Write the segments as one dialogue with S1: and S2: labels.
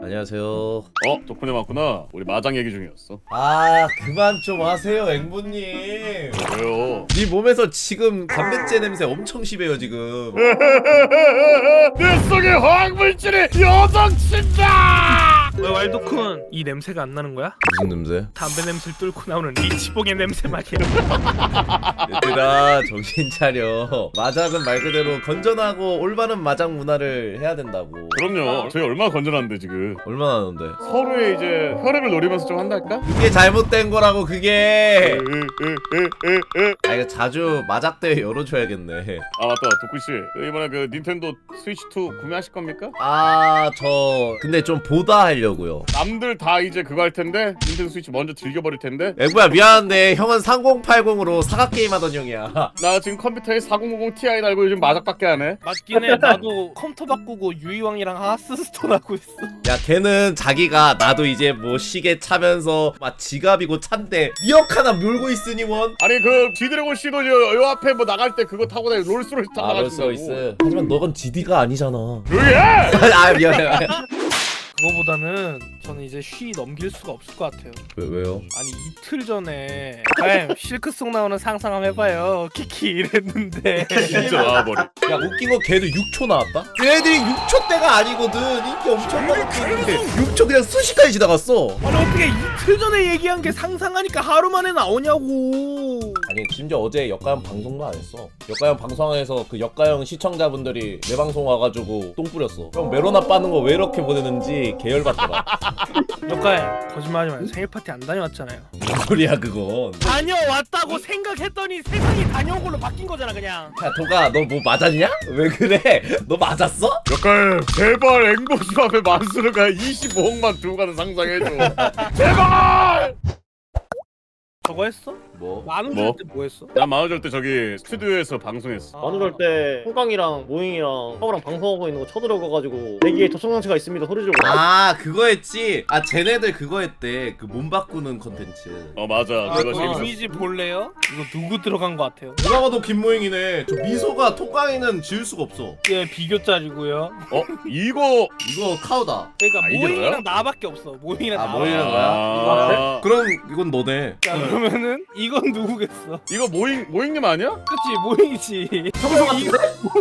S1: 안녕하세요.
S2: 덕분에 왔구나. 우리 마장 얘기 중이었어.
S1: 아 그만 좀 하세요 앵보님.
S2: 왜요?
S1: 네 몸에서 지금 담배째 냄새 엄청 심해요 지금.
S2: 내 속에 화학물질이 요동친다.
S3: 왜 왈도쿤 이 냄새가 안 나는 거야?
S1: 무슨 냄새?
S3: 담배 냄새를 뚫고 나오는 리치봉의 냄새 말이야.
S1: 얘들아 정신 차려. 마장은 말 그대로 건전하고 올바른 마장 문화를 해야 된다고.
S2: 그럼요. 저희 얼마나 건전한데 지금.
S1: 얼마나 하는데?
S2: 서로의 이제 혈액을 노리면서 좀 한달까?
S1: 그게 잘못된 거라고 그게. 아 이거 자주 마작대회 열어줘야겠네.
S2: 아 맞다, 도쿠씨. 이번에 그 닌텐도 스위치 2 구매하실 겁니까?
S1: 아 저 근데 좀 보다 하려고요.
S2: 남들 다 이제 그거 할 텐데 닌텐도 스위치 먼저 즐겨버릴 텐데.
S1: 앵보야 미안한데 형은 3080으로 사각 게임 하던 형이야.
S2: 나 지금 컴퓨터에 4050 Ti 달고 요즘 마작밖에 안 해.
S3: 맞긴 해. 나도 컴퓨터 바꾸고 유이왕이랑 하스스톤 하고 있어.
S1: 야 걔는 자기가 나도 이제 뭐 시계 차면서 막 지갑이고 찬데 미역 하나 물고 있으니 원.
S2: 아니 그 지드래곤 씨도 요 앞에 뭐 나갈 때 그거 타고 다니 롤스로이스 타고 나가신다고.
S1: 롤스로이스. 하지만 너건 GD가 아니잖아.
S2: 그게!
S1: 아 미안해.
S3: 그거보다는 저는 이제 쉬 넘길 수가 없을 것 같아요.
S1: 왜요?
S3: 아니 이틀 전에 실크송 나오는 상상 한번 해봐요. 키키 이랬는데
S2: 진짜 나와버려.
S1: 야 웃긴 거 걔도 6초 나왔다? 걔네들이 6초 때가 아니거든. 인기 엄청 많았는데 6초 그냥 순식간에 지나갔어.
S3: 아니 어떻게 이틀 전에 얘기한 게 상상하니까 하루 만에 나오냐고.
S1: 아니 심지어 어제 역가형 방송도 안 했어. 역가형 방송에서 그 역가형 시청자분들이 내 방송 와가지고 똥 뿌렸어. 형 메로나 빠는 거 왜 이렇게 보내는지 계열받더라.
S3: 역가에 거짓말하지 마요. 생일 파티 안 다녀왔잖아요.
S1: 무슨 소리야 그건.
S3: 다녀왔다고 생각했더니 세상이 다녀온 걸로 바뀐 거잖아 그냥.
S1: 야 도가 너 뭐 맞았냐? 왜 그래? 너 맞았어?
S2: 역할 제발 앵보시 앞에 만수르가 25억만 두고 가는 상상해줘. 제발!
S3: 저거 했어?
S1: 뭐?
S3: 만우절
S2: 뭐?
S3: 때 뭐 했어?
S2: 나 마흔절 때 저기 스튜디오에서 방송했어.
S4: 만우절 때 홍강이랑 모잉이랑 형이랑 방송하고 있는 거 쳐들어가가지고 내기에 접촉장치가 있습니다 소리 지르고
S1: 아 그거 했지? 아 쟤네들 그거 했대. 그 몸 바꾸는 컨텐츠.
S2: 맞아.
S3: 아,
S2: 그거
S3: 그
S2: 재밌었어.
S3: 이미지 볼래요? 이거 누구 들어간 거 같아요?
S1: 누가 봐도 김모잉이네. 저 미소가 톡강이는 지울 수가 없어.
S3: 예, 비교짜리고요.
S2: 이거
S1: 이거 카우다.
S3: 그러니까
S2: 이게
S3: 모잉이랑
S2: 너야?
S3: 나밖에 없어. 모잉이랑
S1: 아
S3: 나.
S1: 모잉이랑 거야?
S2: 아,
S1: 그럼 이건 너네.
S3: 자, 그러면은 이건 누구겠어?
S2: 이거 모잉님 아니야?
S3: 그치, 모잉이지.
S1: 평소 같은데?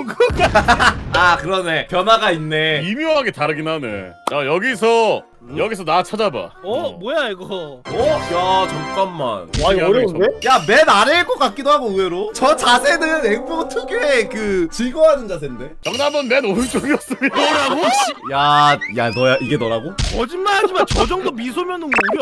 S1: 아 그러네. 변화가 있네.
S2: 미묘하게 다르긴 하네. 자 여기서 나 찾아봐.
S3: 뭐야 이거?
S1: 야 잠깐만.
S4: 와 이거 어려운데?
S1: 야 맨 아래일 것 같기도 하고 의외로. 저 자세는 앵보 특유의 그 즐거워하는 자세인데.
S2: 정답은 맨 오른쪽이었습니다.
S3: 뭐라고?
S1: 야 너야 이게 너라고?
S3: 거짓말하지 마. 저 정도 미소면은 우리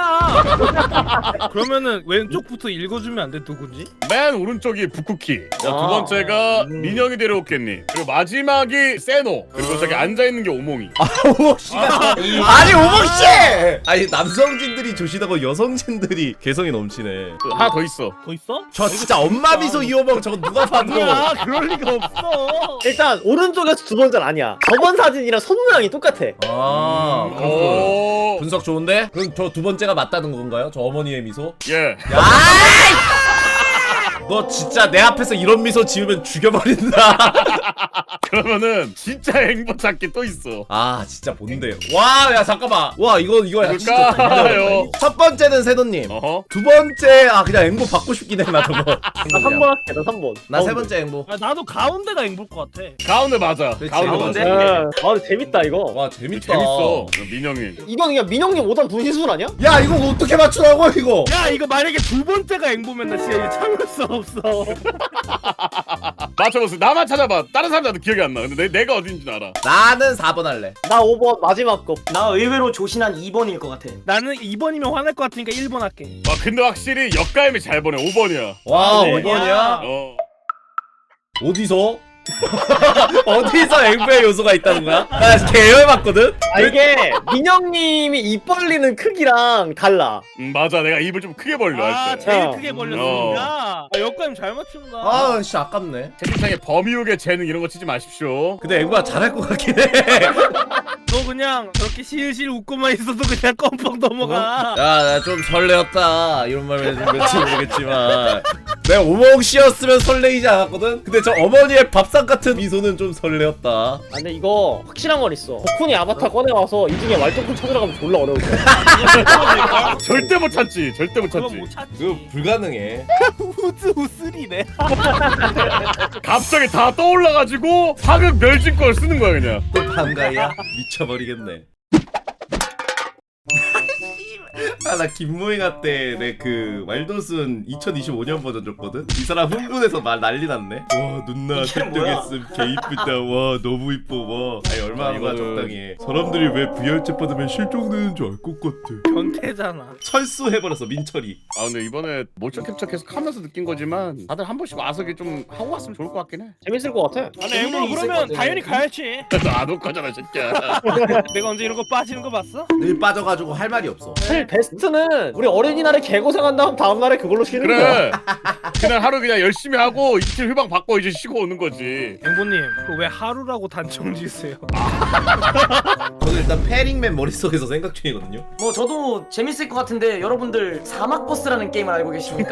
S3: 엄마야. 그러면은 왼쪽부터 읽어주면 안 돼? 누구지?
S2: 맨 오른쪽이 부쿠키. 자, 두
S4: 아.
S2: 번째가 민영이 데려오겠니. 그리고 마지막이 세노. 그리고 저기 앉아있는 게 오몽이.
S1: 오목씨가 아니 오목씨! 아니 남성진들이 조시다고 여성진들이 개성이 넘치네.
S2: 하나 더 있어.
S3: 더 있어?
S1: 저 진짜 엄마 미소 이 오목 저거 누가 봐도.
S3: 아니야, 그럴 리가 없어.
S4: 일단 오른쪽에서 두 번째는 아니야 저번 사진이랑 손 모양이 똑같아
S1: 아
S2: 오.
S1: 분석 좋은데? 그럼 저 두 번째가 맞다는 건가요? 저 어머니의 미소?
S2: 예.
S1: 너 진짜 내 앞에서 이런 미소 지으면 죽여버린다.
S2: 그러면은 진짜 행복 찾기 또 있어.
S1: 아 진짜 본데요. 와 야 잠깐만. 와 이거 야, 진짜
S2: 누굴까요?
S1: 첫 번째는 세도님.
S2: 어허.
S1: 두 번째 그냥 앵보 받고 싶긴 해 나 저거.
S4: 나 3번 할게 나 3번
S1: 나 세 번째 앵보.
S3: 아, 나도 가운데가 앵볼 것 같아.
S2: 가운데 맞아.
S1: 그치,
S2: 가운데
S1: 가운데.
S2: 맞아.
S4: 아 근데 재밌다 이거
S1: 와 재밌다.
S2: 재밌어. 민영이.
S4: 이건 그냥 민영님 5단 분신술 아니야?
S1: 야 이거 어떻게 맞추라고 이거?
S3: 야, 이거 만약에 두 번째가 앵보면 나 진짜 이거 참을 수 없어.
S2: 맞춰보세요. 나만 찾아봐. 다른 사람들한테 기억이 안 나. 근데 내가 어딘지 알아.
S1: 나는 4번 할래.
S4: 나 5번 마지막 거
S5: 나 의외로 조신한 2번일 것 같아.
S3: 나는 2번이면 화날 것 같으니까 1번 할게.
S2: 와 근데 확실히 역가임이 잘 보내. 5번이야.
S1: 와
S3: 네.
S1: 5번이야?
S2: 어.
S1: 어디서 앵보의 요소가 있다는 거야? 나 계열 맞거든?
S4: 아 이게 민영님이 입 벌리는 크기랑 달라
S2: 맞아. 내가 입을 좀 크게 벌려
S3: 아,
S2: 할 때.
S3: 제일
S4: 어.
S3: 크게 벌렸으니까. 아, 역감 잘 맞춘다.
S1: 아 씨 아깝네.
S2: 채팅창에 범이욱의 재능 이런 거 치지 마십시오.
S1: 근데 앵보가 잘할 것 같긴 해.
S3: 너 그냥 저렇게 실실 웃고만 있어도 그냥 껌뻑 넘어가.
S1: 야 나 좀 설레었다 이런 말 해준 건지 모르겠지만 내가 오멍 씨였으면 설레이지 않았거든? 근데 저 어머니의 밥상 같은 미소는 좀 설레었다.
S4: 아 근데 이거 확실한 건 있어. 덕훈이 아바타 꺼내와서 이 중에 왈도쿤 찾으러가면 졸라 어려울 거야.
S2: 절대 못 찾지. 절대 못
S3: 그건
S2: 찾지.
S3: 못 찾지.
S1: 그거 불가능해.
S3: 우즈 우스리네.
S2: 갑자기 다 떠올라가지고 사극 멸진걸 쓰는 거야 그냥.
S1: 또 반가이야? 미쳐버리겠네. 아, 나 김모잉아 때 내 그 왈도순 2025년 버전 줬거든? 이 사람 흥분해서 말 난리 났네. 와 누나
S5: 이게 뭐야?
S1: 획득했음 개 이쁘다. 와 너무 이뻐. 와 아니 얼마나 하는 거야
S2: 이거는-
S1: 적당히 해. 사람들이 왜 VR챗 받으면 실종되는 줄 알 것 같아.
S3: 변태잖아.
S1: 철수해버렸어 민철이.
S2: 아 근데 이번에 모션 캡처 계속 하면서 느낀 거지만 다들 한 번씩 와서 이렇게 좀 하고 왔으면 좋을 것 같긴 해.
S4: 재밌을 것 같아.
S3: 아니 앵보 그러면 당연히 가야지.
S2: 안 올 거잖아 새끼야.
S3: 내가 언제 이런 거 빠지는 거 봤어?
S1: 늘 빠져가지고 할 말이 없어.
S4: 사실 베스트는 우리 어린이날에 개고생한 다음 다음날에 그걸로 쉬는 거야.
S2: 그래. 그날 하루 그냥 열심히 하고 이틀 휴방 받고 이제 쉬고 오는 거지.
S3: 앵보님 그거 왜 하루라고 단정 지으세요?
S1: 저는 일단 페링맨 머릿속에서 생각 중이거든요.
S5: 뭐 저도 재밌을 것 같은데 여러분들 사막버스라는 게임을 알고 계십니까?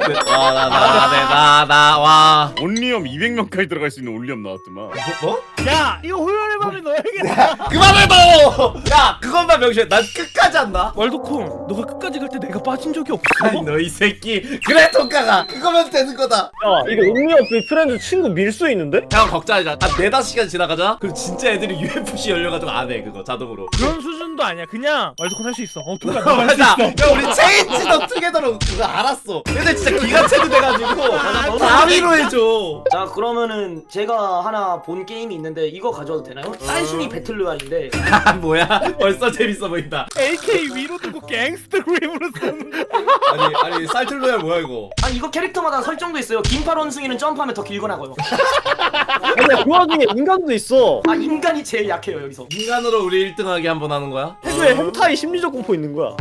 S1: 와.
S2: 온리엄 200명까지 들어갈 수 있는 온리엄 나왔더만.
S1: 뭐?
S3: 야 이거 후연의 밤에 넣어야겠다.
S1: 그만해 너! 야 그것만 명심해. 난 끝까지 한다.
S3: 왈도쿤 너가 끝까지 갈 때 내가 빠진 적이 없어.
S1: 아니 너 이 새끼. 그래 통과가. 그거면 되는 거다.
S4: 야 이거 옥리어프 프렌즈 친구 밀 수 있는데?
S1: 형 걱정하지 마. 한 4-5시간 지나가자. 그럼 진짜 애들이 UFC 열려가지고 안 해 그거 자동으로.
S3: 그런 수준도 아니야. 그냥 왈도쿤 할 수 있어. 통과 할수
S1: 맞아.
S3: 있어.
S1: 야 우리 체인지 더 투게더로 그거 알았어. 애들 진짜 기가 차게 돼가지고 다위로 해줘.
S5: 자 그러면은 제가 하나 본 게임이 있는데 이거 가져와도 되나요? 쌀순이 배틀로얄인데
S1: 아 뭐야? 벌써 재밌어 보인다.
S3: AK 위로 두고 갱스터 그림으로 쓰는.
S1: 아니 쌀틀로야 뭐야 이거?
S5: 아니 이거 캐릭터마다 설정도 있어요. 긴팔 원숭이는 점프하면 더 길거나고요.
S4: 아니야 그 와중에 인간도 있어.
S5: 아 인간이 제일 약해요 여기서.
S1: 인간으로 우리 1등하게 한번 하는 거야?
S4: 태그에 햄타이 심리적 공포 있는 거야.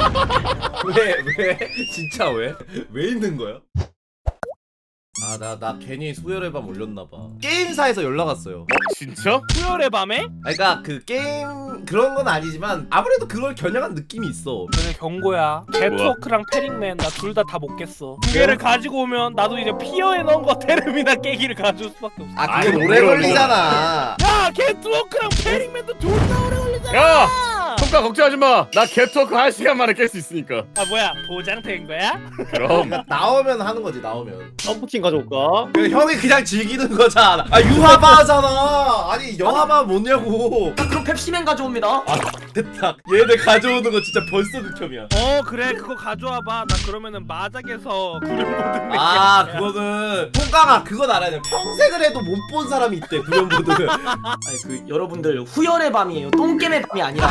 S1: 왜? 진짜 왜? 왜 있는 거야? 아 나 괜히 수혈의 밤 올렸나봐. 게임사에서 연락 왔어요.
S2: 진짜?
S3: 후연의 밤에?
S1: 그러니까 그 게임 그런 건 아니지만 아무래도 그걸 겨냥한 느낌이 있어.
S3: 근데 경고야. 개트워크랑 페링맨 나 둘 다 못겠어. 두 개를 가지고 오면 나도 이제 피어에 넣은 거 테르미나 깨기를 가져올 수밖에 없어.
S1: 아
S2: 아이,
S1: 그건 오래
S2: 뭐야,
S1: 걸리잖아.
S3: 야 개트워크랑 페링맨도 존나 오래 걸리잖아.
S2: 야! 통과 걱정하지 마. 나 개토크 1시간 만에 깰 수 있으니까.
S3: 아 뭐야 보장된 거야?
S2: 그럼.
S1: 나오면 하는 거지 나오면.
S4: 점프킹 가져올까?
S1: 형이 그냥 즐기는 거잖아. 아 유하바잖아. 아니 영화바 뭐냐고.
S5: 자 그럼 펩시맨 가져옵니다.
S1: 아 됐다. 얘네 가져오는 거 진짜 벌써 극혐이야.
S3: 그래 그거 가져와봐. 나 그러면은 마작에서 구름보드
S1: 아 그거는 통과가 그건 알아야 돼. 평생을 해도 못 본 사람이 있대 구연보드.
S5: 아니 그 여러분들 후열의 밤이에요. 똥겜의 밤이 아니라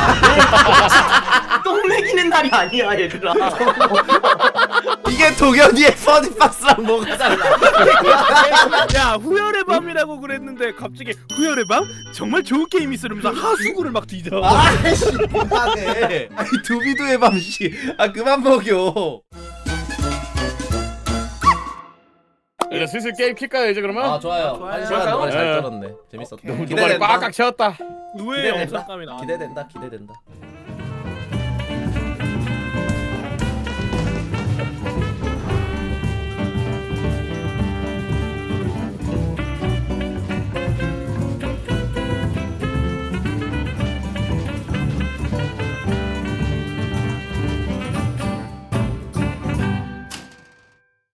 S5: 똥 먹이는 날이 아니야 얘들아.
S1: 이게 동현이의 퍼니박스랑 뭐가 달라?
S3: 야 후열의 밤이라고 그랬는데 갑자기 후열의 밤? 정말 좋은 게임 있어 이러면서 하수구를 막 뒤져.
S1: 아이씨 그만해. 아니 두비두의 밤씨. 아 그만 먹여.
S2: 이제 슬슬 게임 킬까요 이제 그러면?
S1: 아 좋아요.
S3: 좋아요.
S1: 한 시간 동안 잘
S2: 네.
S1: 떨었네. 재밌었다.
S2: 노발이 꽉꽉 채웠다.
S3: 의외의
S1: 기대된다.
S3: 영상감이 나와.
S1: 기대된다. 기대된다.